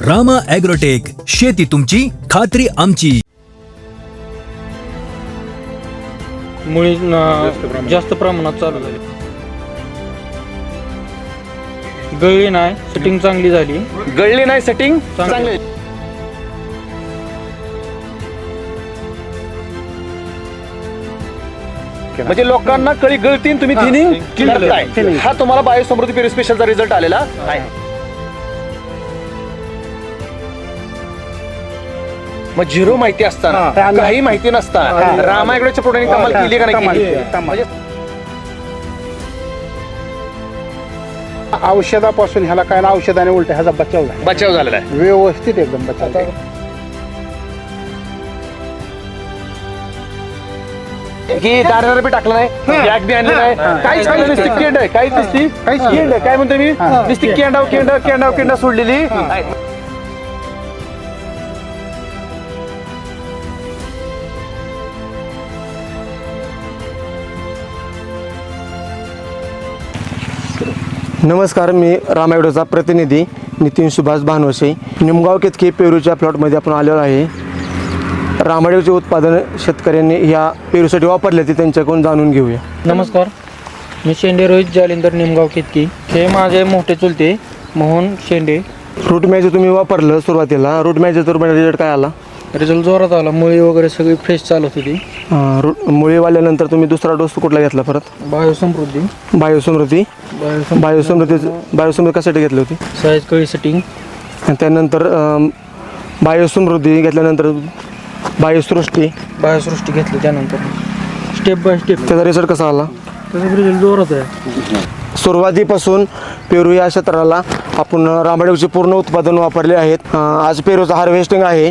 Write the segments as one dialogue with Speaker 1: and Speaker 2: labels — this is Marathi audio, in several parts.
Speaker 1: रामा ॲग्रोटेक, शेती तुमची खात्री आमची.
Speaker 2: मुळे जास्त प्रमाणात चालू झाली. गळली नाही, सेटिंग चांगली झाली.
Speaker 3: गळली नाही, सेटिंग चांगली. म्हणजे लोकांना कळी गळती आणि तुम्ही थिनिंग करताय. हा तुम्हाला बायोसमृद्धी पेरू स्पेशलचा रिझल्ट आलेला आहे. मग झिरो माहिती असताना, काही माहिती नसताना रामा ॲग्रोच्या प्रोडक्टने कमाल केली का नाही केली? म्हणजे
Speaker 4: औषधापासून ह्याला काय ना, औषधाने उलट ह्याचा
Speaker 3: बचाव झालेला आहे.
Speaker 4: व्यवस्थित एकदम बचाव.
Speaker 3: की दाण्याला बी टाकलं नाही, बॅग बी आणली नाही, काहीच नाही, नुसती केंड आहे. काहीच नुसती केंड आहे. काय म्हणतो मी, नुसती केंड सोडलेली.
Speaker 5: नमस्कार, मी रामा ॲग्रोचा प्रतिनिधी नितीन सुभाष भानवसे. निमगाव केतकी पेरूच्या प्लॉटमध्ये आपण आलेलो आहे. रामा ॲग्रोचे उत्पादन शेतकऱ्यांनी ह्या पेरूसाठी वापरले ते त्यांच्याकडून जाणून घेऊया.
Speaker 2: नमस्कार, मी शेंडे रोहित जालिंदर, निमगाव केतकी. हे माझे मोठे चुलते मोहन शेंडे.
Speaker 5: रूट मॅच तुम्ही वापरलं सुरुवातीला, रूट मॅचचा तुम्हाला रिझल्ट काय आला?
Speaker 2: रिझल्ट जोरात आला. मुळी वगैरे सगळी फ्रेश चालत होती.
Speaker 5: मुळी वाल्यानंतर तुम्ही दुसरा डोस कुठला घेतला परत?
Speaker 2: बायोसमृद्धी.
Speaker 5: बायोसमृद्धी कशासाठी घेतली होती?
Speaker 2: साईज कळी सेटिंग.
Speaker 5: आणि त्यानंतर बायोसमृद्धी घेतल्यानंतर बायोसृष्टी
Speaker 2: घेतली. त्यानंतर स्टेप बाय स्टेप
Speaker 5: त्याचा रिझल्ट कसा आला?
Speaker 2: त्याचा रिझल्ट जोरात आहे.
Speaker 5: सुरुवातीपासून पेरू या क्षेत्राला आपण रामा ॲग्रोचे पूर्ण उत्पादन वापरले आहेत. आज पेरूचं हार्वेस्टिंग आहे.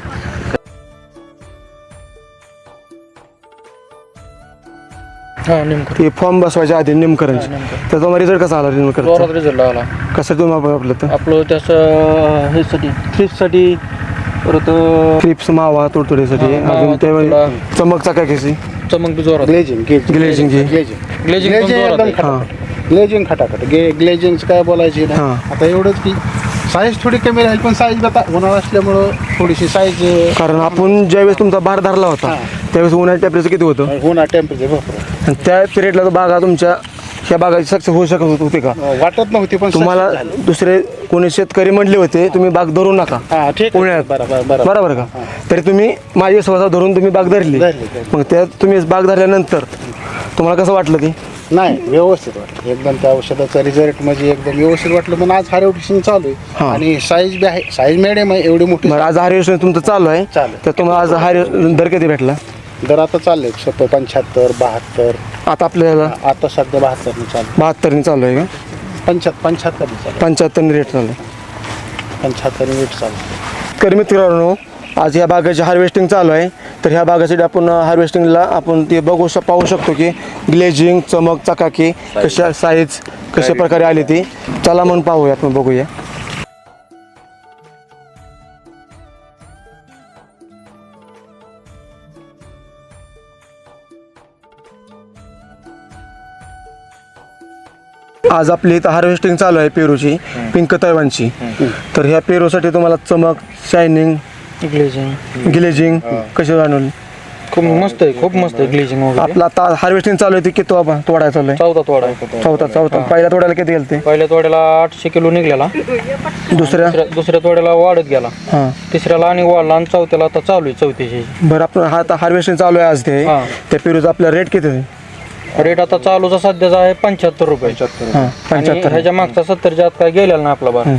Speaker 2: नेमकं
Speaker 5: फॉर्म बसवायच्या आधी निमकरणची. त्याचा मग रिझल्ट कसा आला?
Speaker 2: जोरात रिझल्ट आला.
Speaker 5: कसं तुम्ही वापरलं तर?
Speaker 2: आपलं त्याचं ह्यासाठी थ्रिप्ससाठी, परत
Speaker 5: क्रिप्स मावा तुडतुडीसाठी, अजून ते चमक चकाकीची,
Speaker 2: चमक बी जोरात.
Speaker 5: ग्लेजिंग
Speaker 4: ग्लेजिंग खटाखट ग्लेजिंगचं काय बोलायची ना. आता एवढंच की साईज थोडी कमी राहील, पण साईज आता उन्हाळा असल्यामुळं थोडीशी साईज.
Speaker 5: कारण आपण ज्यावेळेस तुमचा बार धरला होता त्यावेळेस उन्हाळ्या टेम्परेचर किती होतं?
Speaker 4: उन्हाळा टेम्परेचर भरपूर.
Speaker 5: आणि त्या पिरियडला बागा तुमच्या ह्या बागाची सक्सेस होऊ शकत होती का?
Speaker 4: वाटत नव्हती, पण
Speaker 5: तुम्हाला दुसरे कोणी शेतकरी म्हणले होते तुम्ही बाग धरू नका उन्हाळ्यात, बरोबर का? तरी तुम्ही माझी स्वतः धरून तुम्ही बाग धरली. मग त्यात तुम्ही बाग धरल्यानंतर तुम्हाला कसं वाटलं? ती
Speaker 4: नाही, व्यवस्थित वाटलं एकदम. त्या औषधाचा रिझल्ट म्हणजे एकदम व्यवस्थित वाटलं. पण आज हार्वेस्टिंग चालू आहे आणि साईज बी आहे, साईज मिडियम आहे, एवढी मोठी.
Speaker 5: आज हार्वेस्टिंग तुमचं चालू आहे, तर तुम्हाला आज दर किती भेटला?
Speaker 4: दर आता चालले 75, 72.
Speaker 5: आता आपल्याला
Speaker 4: आता सध्या 72 चालू.
Speaker 5: 72 चालू आहे का?
Speaker 4: 75
Speaker 5: रेट चालू आहे.
Speaker 4: 75 रेट चालू.
Speaker 5: तर मित्रांनो, आज ह्या बागाची हार्वेस्टिंग चालू आहे. तर ह्या बागासाठी आपण हार्वेस्टिंगला आपण ते पाहू शकतो की ग्लेजिंग, चमक चकाकी, कशा साईज कशा प्रकारे आली ती. चला म्हणून पाहूया, आपण बघूया. आज आपली इथं हार्वेस्टिंग चालू आहे पेरूची, पिंक तैवानची. तर ह्या पेरूसाठी तुम्हाला चमक, शायनिंग, ग्लेजिंग कशी जाणवली?
Speaker 2: खूप मस्त आहे, खूप मस्त आहे ग्लेजिंग वगैरे.
Speaker 5: आपला आता हार्वेस्टिंग चालू आहे, किती तोडायला चालू आहे? चौथा. पहिल्या तोड्याला किती गेलते?
Speaker 2: पहिल्या तोड्याला 800 किलो निघलेला. दुसऱ्या तोड्याला वाढत गेला. तिसऱ्याला आणि वाढला, आणि चौथ्याला आता चालू आहे, चौथ्याची.
Speaker 5: बरं, आपण हा आता हार्वेस्टिंग चालू आहे आज ते. त्या पेरूचा आपला रेट किती आहे?
Speaker 2: रेट आता चालूचा सध्याचा आहे 75 रुपये. 75. ह्याच्या मागचा 70च्या आत काय गेलेला ना आपला बार.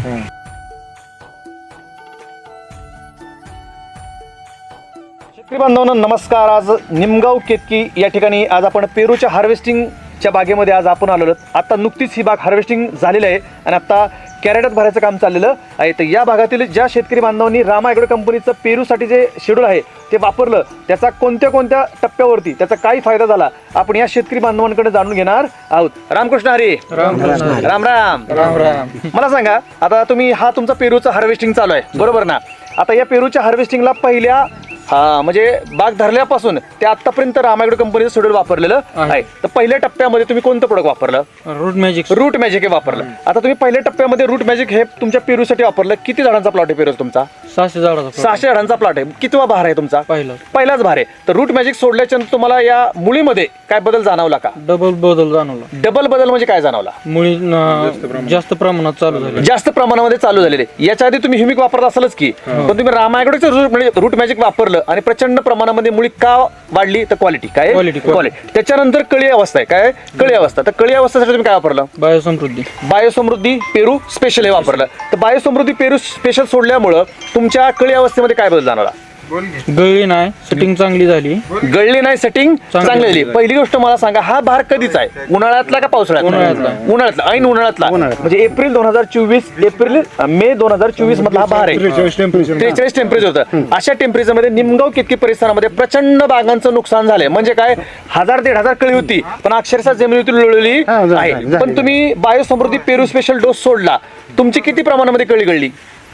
Speaker 3: शेतकरी बांधवांनो नमस्कार. आज निमगाव केतकी या ठिकाणी आज आपण पेरूच्या हार्वेस्टिंगच्या बागेमध्ये आज आपण आलेलो. आता नुकतीच ही बाग हार्वेस्टिंग झालेली आहे आणि आता कॅरेटात भरायचं काम चाललेलं आहे. तर या भागातील ज्या शेतकरी बांधवांनी रामा ॲग्रो कंपनीचं पेरूसाठी जे शेड्यूल आहे ते वापरलं, त्याचा कोणत्या टप्प्यावरती त्याचा काय फायदा झाला आपण या शेतकरी बांधवांकडे जाणून घेणार आहोत. रामकृष्ण हरी. राम राम. मला सांगा, आता तुम्ही हा तुमचा पेरूचा हार्वेस्टिंग चालू आहे, बरोबर ना? आता या पेरूच्या हार्वेस्टिंगला पहिल्या हा म्हणजे बाग धरल्यापासून ते आतापर्यंत रामायगड कंपनीचं शेड्यूल वापरलेलं आहे. तर पहिल्या टप्प्यामध्ये तुम्ही कोणतं प्रोडक्ट वापरलं?
Speaker 2: रूट मॅजिक
Speaker 3: रूट मॅजिक हे वापरलं. आता तुम्ही पहिल्या टप्प्यामध्ये रूट मॅजिक हे तुमच्या पेरूसाठी वापरलं. किती झाडांचा प्लॉट आहे पेरू तुमचा?
Speaker 2: 600 झाडाचा
Speaker 3: 600 झाडांचा प्लॉट आहे. कितवा भार आहे तुमचा?
Speaker 2: पहिलाच
Speaker 3: भार आहे. तर रूट मॅजिक सोडल्याच्या नंतर तुम्हाला या मुळीमध्ये काय बदल जाणवला का?
Speaker 2: डबल बदल जाणवला.
Speaker 3: डबल बदल म्हणजे काय जाणवला?
Speaker 2: मुळी जास्त प्रमाणात चालू झाली.
Speaker 3: जास्त प्रमाणामध्ये चालू झालेले. याच्या आधी तुम्ही ह्युमिक वापरला असेलच की, पण तुम्ही रामायगडचं रूट मॅजिक वापरलं आणि प्रचंड प्रमाणामध्ये मुळी का वाढली? तर क्वालिटी काय? क्वालिटी. त्याच्यानंतर कळी अवस्था आहे. काय कळी अवस्था? तर कळी अवस्थेसाठी तुम्ही काय वापरलं? बायोसमृद्धी पेरू स्पेशल हे वापरलं. तर बायोसमृद्धी पेरू स्पेशल सोडल्यामुळं तुमच्या कळी अवस्थेमध्ये काय बदल जाणवला?
Speaker 2: गळली नाही, सेटिंग चांगली झाली.
Speaker 3: गळली नाही, सेटिंग चांगली झाली. पहिली गोष्ट मला सांगा, हा भार कधीचा आहे? उन्हाळ्यातला का पावसाळ्यातला? उन्हाळ्यातला. ऐन उन्हाळ्यातला म्हणजे एप्रिल 2024 मे 2024 मधला हा भार आहे. 43 टेम्परेचर होतं. अशा टेम्परेचर मध्ये निमगाव केतकी परिसरामध्ये प्रचंड बागांचं नुकसान झालंय. म्हणजे काय 1000-1500 कळी होती, पण अक्षरशः जमिनीवरती लोळली आहे. पण तुम्ही बायोसमृद्धी पेरू स्पेशल डोस सोडला, तुमची किती प्रमाणामध्ये कळी गळली?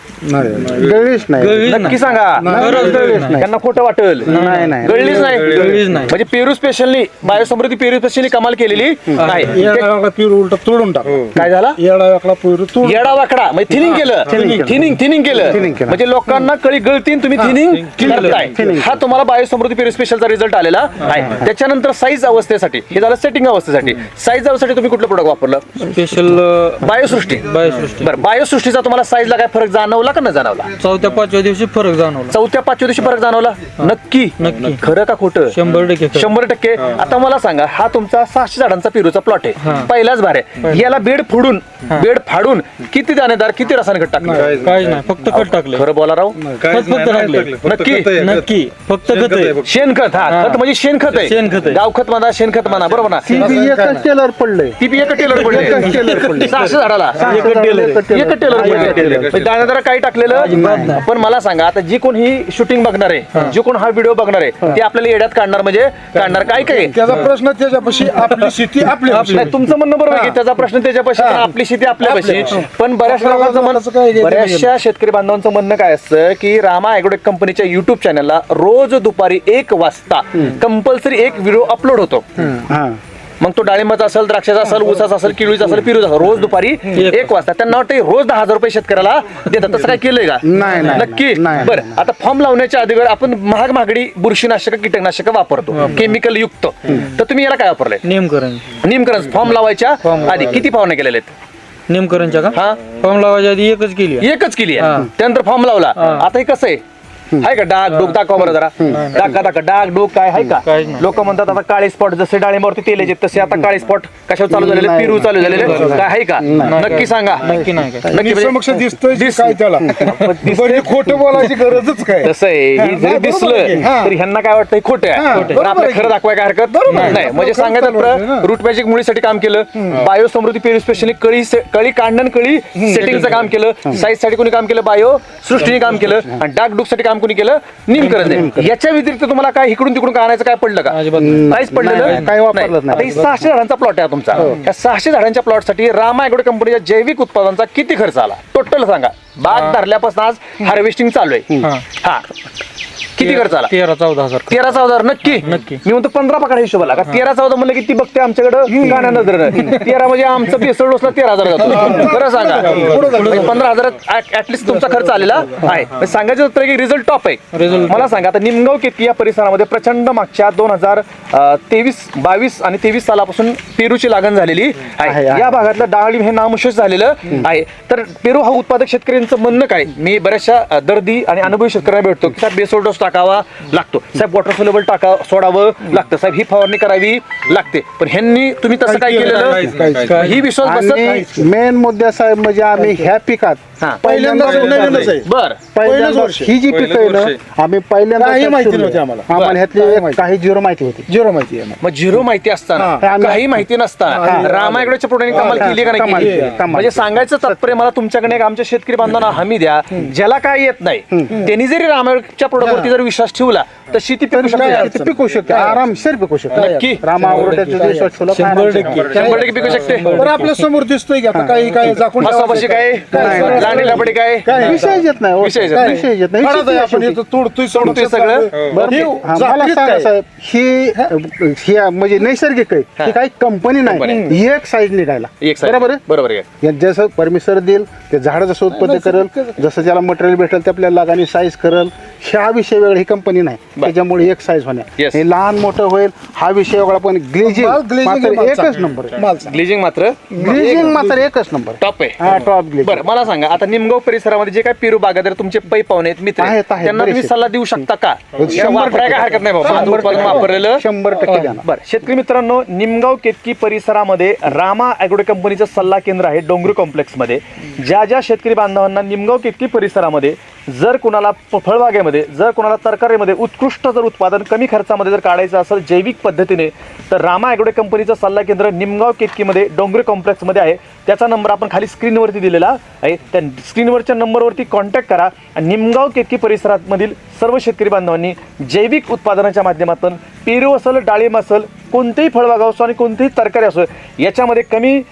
Speaker 3: नक्की सांगा. त्यांना खोटं वाटेल. गळलीच नाही. म्हणजे पेरू स्पेशलनी बायोसमृद्धी पेरू स्पेशलनी कमाल केलेली आहे.
Speaker 4: तोडून टाक.
Speaker 3: काय झाला? येडा वाकडा म्हणजे थिनिंग केलं. म्हणजे लोकांना कळी गळतीन, तुम्ही थिनिंग करताय. हा तुम्हाला बायोसमृद्धी पेरू स्पेशलचा रिझल्ट आलेला आहे. त्याच्यानंतर साईज अवस्थेसाठी हे झालं. सेटिंग अवस्थेसाठी साईज अवस्थेसाठी तुम्ही कुठलं प्रोडक्ट वापरलं?
Speaker 2: स्पेशल
Speaker 3: बायोसृष्टी. बरं, बायोसृष्टीचा तुम्हाला साईजला काय फरक जाणवला का न जाणवला?
Speaker 2: 4-5व्या दिवशी फरक जाणवला.
Speaker 3: 4-5व्या दिवशी फरक जाणवला. नक्की खरं का खोटं? 100%. आता मला सांगा, हा तुमचा 600 झाडांचा पेरूचा प्लॉट आहे. पहिलाच भार आहे. याला बेड फाडून किती दाणेदार, किती रासायनिक खत टाकलं?
Speaker 2: काहीच नाही, फक्त खत टाकलं.
Speaker 3: खरं बोला राव.
Speaker 2: फक्त टाकले.
Speaker 3: नक्की
Speaker 2: फक्त खत आहे.
Speaker 3: शेणखत. हा खत म्हणजे शेणखत आहे. गावखत म्हणा, शेणखत म्हणा, बरोबर ना?
Speaker 4: टेलर पडलंय.
Speaker 3: ती एक टेलर पडले 600 झाडाला एक टेलर पडले. दाणेदार काही टाकलेलं. पण मला सांगा, आता जी कोण ही शूटिंग बघणार आहे, जी कोण हा व्हिडिओ बघणार आहे, ते आपल्याला येड्यात काढणार. म्हणजे काढणार काय काय?
Speaker 4: त्याचा प्रश्न त्याच्यापाशी, आपली शेती आपली.
Speaker 3: तुमचं म्हणणं बरोबर आहे की त्याचा प्रश्न त्याच्यापाशी, आपली शेती आपल्यापाशी. पण बऱ्याचशा शेतकरी बांधवांचं म्हणणं काय असतं की रामा ॲग्रोटेक कंपनीच्या युट्यूब चॅनलला रोज दुपारी 1 वाजता कंपल्सरी एक व्हिडिओ अपलोड होतो. मग तो डाळिंबाचा असेल, द्राक्षाचा असेल, ऊसाचा असेल, किळीचा असेल, पिरूचा असेल, रोज दुपारी 1 वाजता. त्यांना वाटतं रोज 10,000 रुपये शेतकऱ्याला देतात. तसं काय केलंय का? नक्की. बरं, आता फॉर्म लावण्याच्या अगोदर आपण महागडी बुरशीनाशक, कीटकनाशक वापरतो, केमिकल युक्त. तर तुम्ही याला काय वापरलंय? निमकरण. फॉर्म लावायच्या आधी किती फवारण्या केलेल्या आहेत?
Speaker 2: निमकरणच्या का?
Speaker 3: हा,
Speaker 2: फॉर्म लावायच्या आधी एकच केली
Speaker 3: आहे. त्यानंतर फॉर्म लावला. आता हे कसं आहे? हाय का डाग डोक? दाखवा बरं जरा. दाखवा डाग डोक काय आहे का? लोक म्हणतात आता काळे स्पॉट, जसे डाळिंबावरती तेल येते तसे आता काळे स्पॉट कशावर चालू झालेले? पेरू चालू झालेले काय आहे का? नक्की सांगा.
Speaker 2: नक्की नाही काय.
Speaker 4: समक्ष दिसतंय त्याला. खोटं बोलायची गरजच काय?
Speaker 3: तसं आहे. हे जरी दिसलं तर ह्यांना काय वाटतं खोटं आहे, पण आपलं खरं दाखवाय काय हरकत नाही. म्हणजे सांगायचं, रूट मॅजिक मुळीसाठी काम केलं, बायोसमृद्धी पेरू स्पेशली कळी काढणं, कळी सेटिंगचं काम केलं, साईज साठी कोणी काम केलं, बायो सृष्टीने काम केलं, आणि डाग डुक साठी काम कोणी केलं? निमकरण. याच्या व्यतिरिक्त तुम्हाला काय इकडून तिकडून काय आणायचं काय पडलं का? काहीच पडलेलं
Speaker 4: काय वापरलं नाही.
Speaker 3: 600 झाडांचा प्लॉट आहे तुमचा. या 600 झाडांच्या प्लॉट साठी रामा ॲग्रो कंपनीच्या जैविक उत्पादनाचा किती खर्च आला टोटल सांगा? बाग धरल्यापासून आज हार्वेस्टिंग चालू आहे. हा, किती खर्च आला?
Speaker 2: 13-14
Speaker 3: 13-14. नक्की. मी म्हणतो 15 पकडा हिशोबाला का? 13-14 म्हणलं की ती बघते आमच्याकडे गाण्या नजरेनं. 13 म्हणजे आमचं पेसळ डोसला 13,000 जातो. खरं सांगा, 15,000 ऍटलिस्ट तुमचा खर्च आलेला आहे. सांगायचं होतं की रिझल्ट टॉप आहे. मला सांगा, आता निमगाव केतकी या परिसरामध्ये प्रचंड मागच्या 2023, 22 आणि 23 सालापासून पेरूची लागण झालेली आहे. या भागातलं डाळिंब हे नामशेष झालेलं आहे. तर पेरू हा उत्पादक शेतकऱ्यांचं म्हणणं काय? मी बऱ्याचशा दर्दी आणि अनुभवी शेतकऱ्यांना भेटतो की साहेब बेसोल डोस टाकावा लागतो, साहेब वॉटर सोल्युबल सोडावं लागतं, साहेब ही फवारणी करावी लागते. पण ह्यांनी तुम्ही तसं काय केलेलं? ही विश्वास बसत.
Speaker 4: मेन मुद्दा साहेब म्हणजे आम्ही ह्या पिकात पहिल्यांदा ही जी पिकं आहे ना, आम्ही पहिल्यांदा माहिती नव्हती आम्हाला ह्यातली काही झिरो माहिती होती.
Speaker 3: मग झिरो माहिती असताना, काही माहिती नसताना रामा ॲग्रोच्या प्रोडक्टने कमाल केली का नाही? म्हणजे सांगायचं तात्पर्य मला तुमच्याकडे आमच्या शेतकरी बांधवांना हमी द्या, ज्याला काय येत नाही त्यांनी जरी रामायणच्या प्रोडक्टवरती जर विश्वास ठेवला तर शेती पिकू शकते.
Speaker 4: पिकू शकते, आरामशीर पिकू शकते.
Speaker 3: नक्की.
Speaker 4: रामा ॲग्रोटेकचा विश्वास ठेवला तर
Speaker 3: 100% पिकू शकते.
Speaker 6: पण आपल्या समोर दिसतोय की आता काही काय झाकून
Speaker 3: मसापाशी काय लांडी लपडी काय
Speaker 4: विषय येत नाही,
Speaker 3: विषय येत
Speaker 4: काय
Speaker 3: नाही.
Speaker 4: विषय येत नाही.
Speaker 6: काढत आहे आपण इथं तोडतोय
Speaker 3: सोडतोय सगळं.
Speaker 4: बरं,
Speaker 6: हे
Speaker 4: मला
Speaker 6: झाकलीत
Speaker 4: सांगा
Speaker 6: काय?
Speaker 4: साहेब, ही म्हणजे नैसर्गिक आहे, ही काही कंपनी नाही, एक साईज निघायला.
Speaker 3: एक side.
Speaker 4: बरोबर आहे.
Speaker 3: बरोबर आहे.
Speaker 4: यात जसं परमिशन देईल ते झाड जसं उत्पन्न करेल, जसं त्याला मटेरियल भेटेल ते आपल्याला लागाने साईज करेल, हा विषय वेगळा, ही कंपनी नाही. त्याच्यामुळे एक साईज होण्या
Speaker 3: Yes.
Speaker 4: हे लहान मोठं होईल हा विषय वेगळा. पण ग्लेजिंग
Speaker 6: glazing
Speaker 4: मात्र
Speaker 6: माल
Speaker 4: एकच
Speaker 6: चांगला.
Speaker 4: नंबर आहे.
Speaker 6: माल चांगला.
Speaker 3: ग्लेजिंग मात्र
Speaker 4: ग्लेजिंग मात्र एकच नंबर आहे.
Speaker 3: टॉप आहे.
Speaker 4: हा, टॉप ग्लेजिंग.
Speaker 3: बरं मला सांगा, आता निमगाव परिसरामध्ये जे काय पेरू बागायत तुमचे पै पाहुणे आहेत, मित्र आहेत,
Speaker 4: आहेत,
Speaker 3: त्यांना तुम्ही
Speaker 4: बरेचसे.
Speaker 3: सल्ला देऊ शकता का?
Speaker 4: 100%
Speaker 3: वापराय काय हरकत नाही बाबा, उत्पादन वापरलेलं
Speaker 4: 100% द्या ना.
Speaker 3: बरं. शेतकरी मित्रांनो, निमगाव केतकी परिसरामध्ये रामा ॲग्रो कंपनीचं सल्ला केंद्र आहे डोंगरी कॉम्प्लेक्समध्ये. ज्या ज्या शेतकरी बांधवांना निमगाव केतकी परिसरामध्ये जर कुणाला फळबागेमध्ये, जर कुणाला तरकारीमध्ये उत्कृष्ट जर उत्पादन कमी खर्चामध्ये जर काढायचं असेल जैविक पद्धतीने, तर रामा ॲग्रो कंपनीचं सल्ला केंद्र निमगाव केतकीमध्ये डोंगरी कॉम्प्लेक्समध्ये आहे. त्याचा नंबर आपण खाली स्क्रीनवरती दिलेला आहे. त्या स्क्रीनवरच्या नंबरवरती कॉन्टॅक्ट करा आणि निमगाव केतकी परिसरामधील सर्व शेतकरी बांधवांनी जैविक उत्पादनाच्या माध्यमातून पेरू असेल, डाळिंब असेल, कोणतेही फळबाग असो आणि कोणतेही तरकारी असो, याच्यामध्ये कमी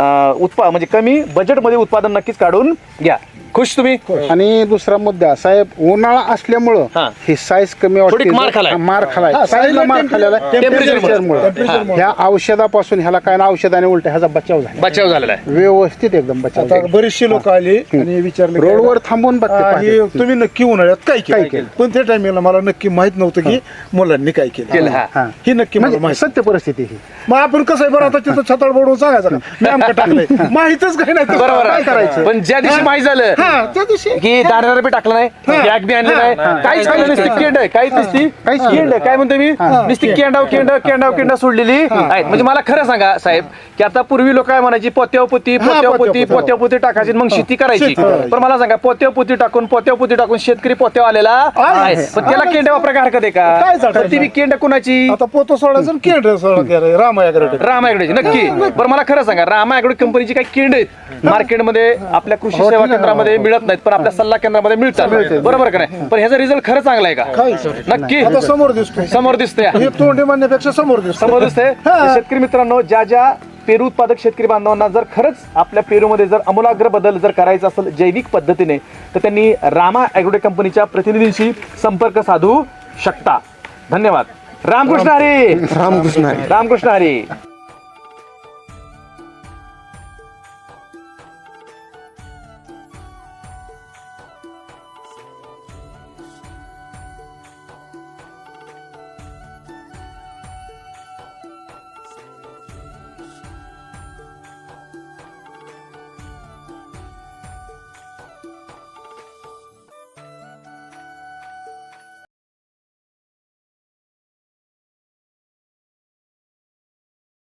Speaker 3: म्हणजे कमी बजेटमध्ये उत्पादन नक्कीच काढून घ्या. खुश तुम्ही?
Speaker 4: आणि दुसरा मुद्दा साहेब, उन्हाळा असल्यामुळं
Speaker 3: हा.
Speaker 4: ही साईज कमी
Speaker 3: थोडी मार खालाय.
Speaker 4: मार खालाय, साईजला मार खाल्लेला आहे. टेम्परेचरमुळे. ह्या औषधापासून ह्याला काय ना औषधाने उलट ह्याचा बचाव झाला,
Speaker 3: बचाव झालेला आहे.
Speaker 4: व्यवस्थित एकदम बचाव
Speaker 6: आता
Speaker 4: झाला.
Speaker 6: बरीचशी लोक आली आणि विचारले की
Speaker 4: रोडवर थांबून बघते
Speaker 6: हे
Speaker 4: पाहते.
Speaker 6: तुम्ही नक्की उन्हाळ्यात काय
Speaker 4: काय
Speaker 6: केलं
Speaker 4: केलं?
Speaker 6: पण त्या टायमिंगला मला नक्की माहित नव्हतं की मुलांनी काय
Speaker 3: केलं,
Speaker 6: केलं.
Speaker 3: हा.
Speaker 4: हा.
Speaker 6: ही नक्की मला
Speaker 4: म्हणजे
Speaker 6: माहित.
Speaker 4: सत्य परिस्थिती ही.
Speaker 6: मग आपण कसं आहे बरं, आता तिथं छताळ बोडून सांगायचं का मी आमचं टाकलंय, माहितच काही नाही.
Speaker 3: बरोबर
Speaker 4: काय
Speaker 3: आहे.
Speaker 4: करायचं?
Speaker 3: पण ज्या दिवशी माहीत झालं
Speaker 6: हा, त्या दिवशी
Speaker 3: की दाणेदार बी टाकलं नाही, बॅग बी आणलं नाही, काहीच केलं नसती, केंड आहे, काहीच नसती,
Speaker 4: काहीच
Speaker 3: केंड आहे. काय म्हणतो मी, नुसती केंड सोडलेली आहेत. म्हणजे मला खरं सांगा साहेब, की आता पूर्वी लोक काय म्हणायची, पोत्यावपोती टाकायची मग शेती करायची. पण मला सांगा, पोत्यावपोती टाकून शेतकरी पोत्याव आलेला आहे. पण त्याला केंड वापरायला हरकत आहे
Speaker 6: काय
Speaker 3: का?
Speaker 6: चालतं?
Speaker 3: पण ती बी केंड कुणाची?
Speaker 6: आता पोतो सोडायचं आणि केंद्र सोडायचं. रामा ॲग्रोटेक.
Speaker 3: रामा ॲग्रोची नक्की. बरं मला खरं सांगा, रामा ॲग्रो कंपनीची काही केंड आहेत मार्केटमध्ये आपल्या कृषी सेवा केंद्रामध्ये मिळत नाहीत, पण आपल्या सल्ला केंद्रामध्ये मिळतात. बरोबर का नाही? पण ह्याचा रिझल्ट खरं चांगला आहे का? नक्की
Speaker 6: आता समोर दिसतोय.
Speaker 3: समोर दिसतंय.
Speaker 6: हे तोंडी म्हणण्यापेक्षा समोर दिसतोय.
Speaker 3: समोर दिसतंय. तर शेतकरी मित्रांनो, ज्या ज्या पेरू उत्पादक शेतकरी बांधवांना जर खरंच आपल्या पेरूमध्ये जर आमूलाग्र बदल जर करायचा असेल जैविक पद्धतीने, तर त्यांनी रामा ॲग्रो कंपनीच्या प्रतिनिधींशी संपर्क साधू शकता. धन्यवाद. रामकृष्ण हरी.
Speaker 5: रामकृष्ण हरी.
Speaker 3: रामकृष्ण हरी.